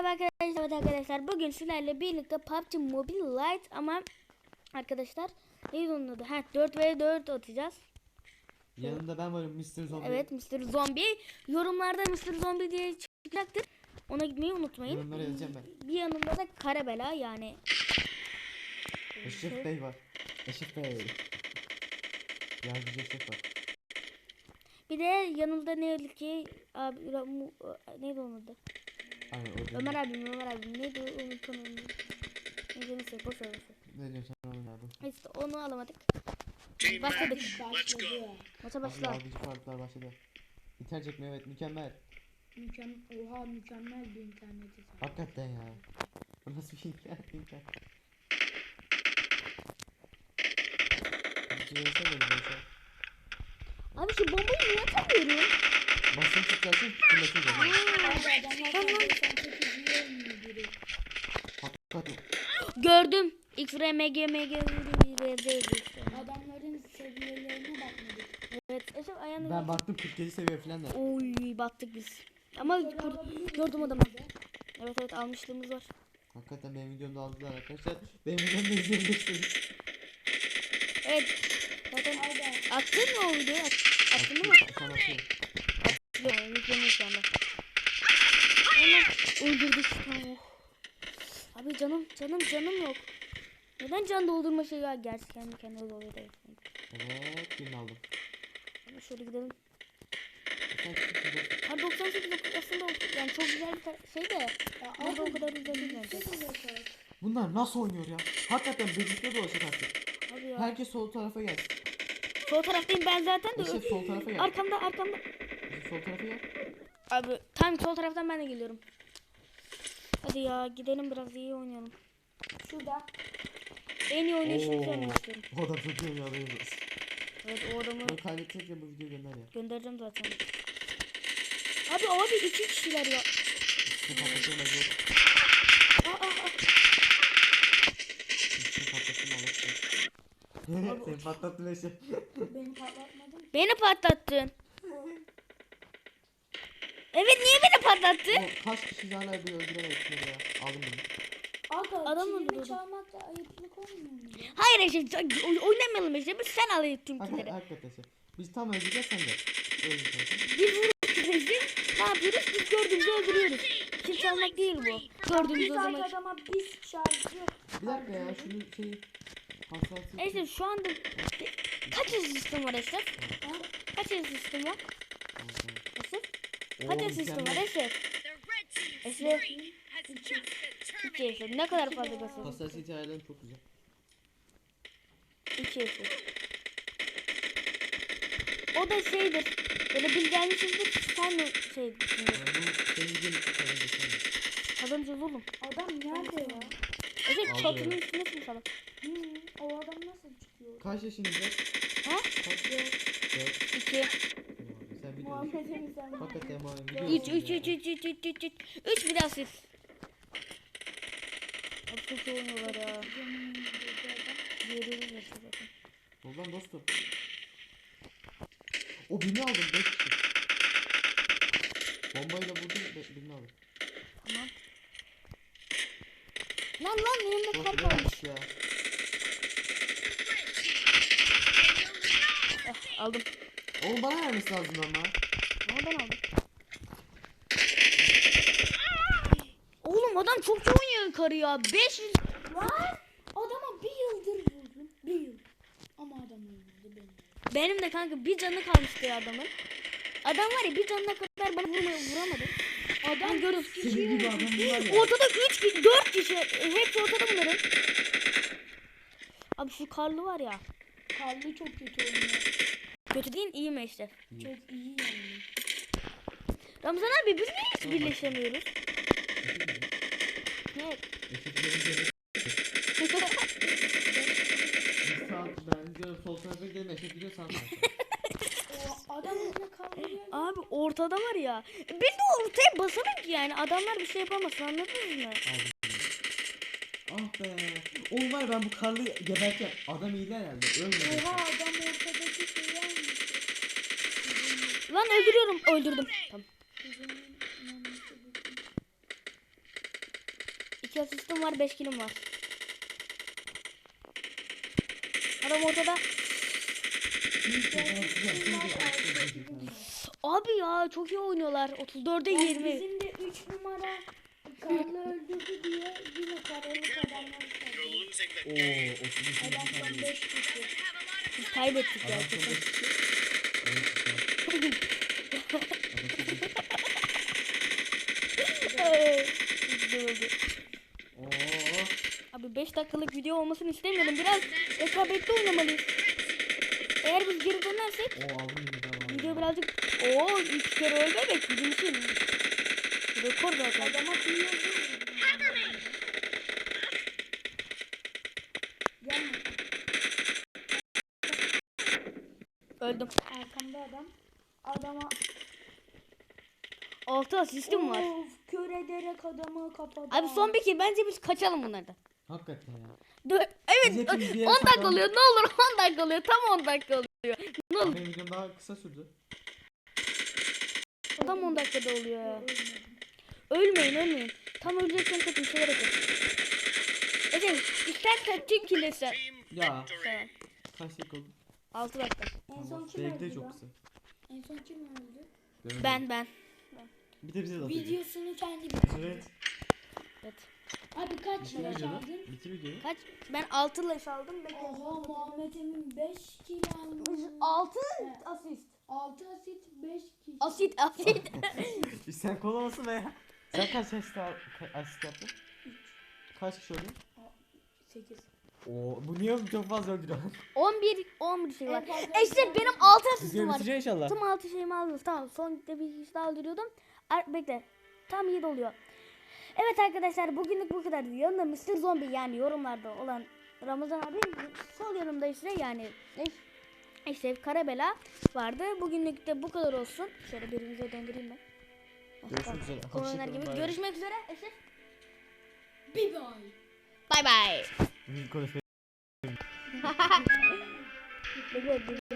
Merhaba arkadaşlar, evet arkadaşlar. Bugün sizlerle birlikte PUBG Mobile Lite ama arkadaşlar neydi onun adı? 4v4 atacağız. Yanında ben varım, Mr. Zombie. Evet, Mr. Zombie. Yorumlarda Mr. Zombie diye çıkacaktır. Ona gitmeyi unutmayın. Yorumlara yazacağım ben. Bir yanında da Karabela yani. Eşref Bey var. Eşref Bey. Yardımcı Eşref var. Bir de yanımda ne ki abi neydi onun adı? Aynen, Ömer abim neydi unutamıyorum. Neyse boş ver. Ne diyorsun sen oğlum abi? İşte onu alamadık. Başladık. Maça başla. Yardımcı farklar başladı. İnternet çekme, evet, mükemmel. Mükemmel bir interneti. Hakikaten ya. Bu nasıl bir internet? Abi şu bombayı niye atamıyorum? Basın çıkarsın, fırlatacağım. Hakikaten. Gördüm. XRMG Adamların seviyelerine bakmadık. Evet. Eşref ayağını. Ben baktım 47 seviye falan da. Oy battık biz. Ama gördüm adamı. Evet almışlığımız var. Hakikaten benim videomda aldılar arkadaşlar. Benim videomda izleyebilirsiniz. Evet. Zaten attın mı o videoyu? Attın mı? Sana atıyorum. Yok yüklemiş şu anda. Hemen öldürdük. Oh. Abi canım yok. Neden can doldurma şeyi var? Gerçi kendi kendine oluyor da. Evet, birini aldım. Ama şöyle gidelim. Sen çıktın. Ha 98 aslında yani çok güzel bir şey de. Ama o kadar güzel değil bence. Bunlar nasıl oynuyor ya? Hakikaten birlikte dolaşacak artık. Abi ya. Herkes sol tarafa gelsin. Sol taraftayım ben zaten de. İşte sol tarafa gel. Arkamda. Sol tarafa gel. Abi tam sol taraftan ben de geliyorum. Hadi ya gidelim biraz iyi oynayalım. Şurada. En iyi oynayışını söylemek istiyorum. O adam çok iyi oynuyor, adayız. Evet o adamı Bunu kaybedecek ya, bu videoyu gönder ya. göndereceğim zaten. Abi iki kişiler ya. İşte patlatırım ben yok. Aa. İşte patlatırım Allah'ım. Seni patlattım Eşe. Beni patlatmadın. Beni patlattın. Evet niye beni patlattın? Kaç kişi hala bir öldüremedik ya. Aldım bunu. Aga Adam kilimi öldürdü. çalmakta ayıplık olmuyor mu ya? Hayır Eşe oynamayalım Eşe. Biz sen alayım tüm killeri. Hakikaten Eşe. Biz tam öldüreceğiz, sen de. Öldüreceğiz. Biz vuruyoruz Eşe. Ne yapıyoruz? Biz gördüğümüzü öldürüyoruz. Kil çalmak değil bu. Gördüğümüz Biz o zaman. adama biz şarjı. Bir dakika ya, şunu şey... Hassasiyet... Eşe şu anda kaç sistem var Eşe? Kaç sistem var? Eşe? Kaç sistem var Eşe? Eşe. İki Eşe. Ne kadar fazla basıyor? Hassasiyet ayarları çok güzel. İki Eşe. O da şeydir. Böyle bilgilenmişizdir. Sen mi şey Bu senin videonun için kaybedeceksin. kazanacağız oğlum. Adam nerede ya? Eşe Aldı. çatının üstündesin sana. O adam nasıl çıkıyor? Kaç yaşınızda? Ha? Kaç? 4. İki. Sen biliyorsun. Muhammed'in sen. Hakikaten Muhammed Üç biliyorsun. Üç bir daha siz. Abi çok iyi oynuyorlar ya. Diğeri yaşıyor zaten. Ol lan dostum. O birini aldım, 5 kişi. Bombayla vurdum, birini aldım. Tamam. Lan yanımda Dostum kalp ne almış. yapmış ya? Aldım. Oğlum bana vermesi lazım ama. Ama ben aldım. Oğlum adam çok oynuyor yukarı ya. 500. Lan adama bir yıldır vurdum. Bir yıl. Ama adam öldürdü beni. Benim de kanka bir canı kalmıştı ya adamın. Adam var ya bir canına kadar bana vuramadı. Adam görüyorum. Senin gibi adam var ya. Ortada 4 kişi. Hepsi ortada bunların. Abi şu karlı var ya. Karlı çok kötü oynuyor. Kötü değil iyi mi işte? Çok iyi yani. Ramazan abi biz niye hiç birleşemiyoruz? Ne? Ben gidiyorum sol tarafa gidelim, Eşref gidiyor sağ tarafa. O adam önüne kaldırıyor. Abi ortada var ya. Ben de ortaya basamam ki yani. Adamlar bir şey yapamasın anladınız mı? Ah be. Oğlum var ya, ben bu karlı geberken adam iyiydi herhalde. Ölmedi. Oha adam ortadaki şeyi almış. Lan öldürüyorum. Öldürdüm. Tamam. 2 asistim var, 5 killim var. Adam ortada. Abi ya çok iyi oynuyorlar. 34'e 20. Bizim de 3 numara Karlı öldürdü diye yine karalık adamlar kaldı. Oo, 32 Adamdan 5 kişi. Biz kaybettik ya. Adam kesin. çok Üzüldü. Oo. Abi 5 dakikalık video olmasını istemiyorum. Biraz rekabetli oynamalıyız. Eğer biz geri dönersek Oo aldım yeniden video aldım. birazcık 3 kere ölmemek bizim için rekor zaten. Adama kıyıyordu. Gelme. Öldüm. Arkamda adam. Adama 6 asistim var. of, kör ederek adamı kapadı. Abi son bir kill, bence biz kaçalım bunlardan. Hakikaten ya. Evet, Biz hepimiz bir 10 yere dakika saklandık. oluyor, ne olur 10 dakika oluyor, tam 10 dakika oluyor. Ne olur, Benim videom daha kısa sürdü. tam 10 dakikada oluyor ya. Ölmeyin. Tam öleceksen kaçın, şeyler yapın. Evet, istersen tüm kill'leri sen. Ya Tamam. kaç dakika oldu? 6 dakika. En son kim Benimki de öldü çok lan? kısa. En son kim öldü? Göremedim. Ben. Bir de bize de atacak. Videosunu kendi bitirdi. Evet. Evet. Abi kaç Bitir yaş videoyu. aldın? Bitir videoyu. Kaç? Ben 6 leş aldım. Oha, Muhammed Emin 5 kill almış. 6 asist. 6 asit 5 kill. Asit. Sen kol olsun be ya. Sen kaç asist yaptın? Kaç kişi öldü? 8. Oo, bu niye çok fazla öldürüyor? 11 şey var. En fazla İşte benim 6 asistim Videoyu var. bitireceksin inşallah. Tüm 6 şeyimi aldım. Tamam, son bir kişi daha öldürüyordum. Bekle. Tam 7 oluyor. Evet arkadaşlar, bugünlük bu kadar. Yanında Mr. Zombie, yani yorumlarda olan Ramazan abi, sol yanımda ise yani işte Karabela vardı. Bugünlük de bu kadar olsun. Şöyle birimize döndüreyim ben. Görüşmek üzere. Oynar Hoşçakalın, gibi. bay bay. Görüşmek üzere. Eşit. Bir bay. Bye bye. Konuşmayı Bekle,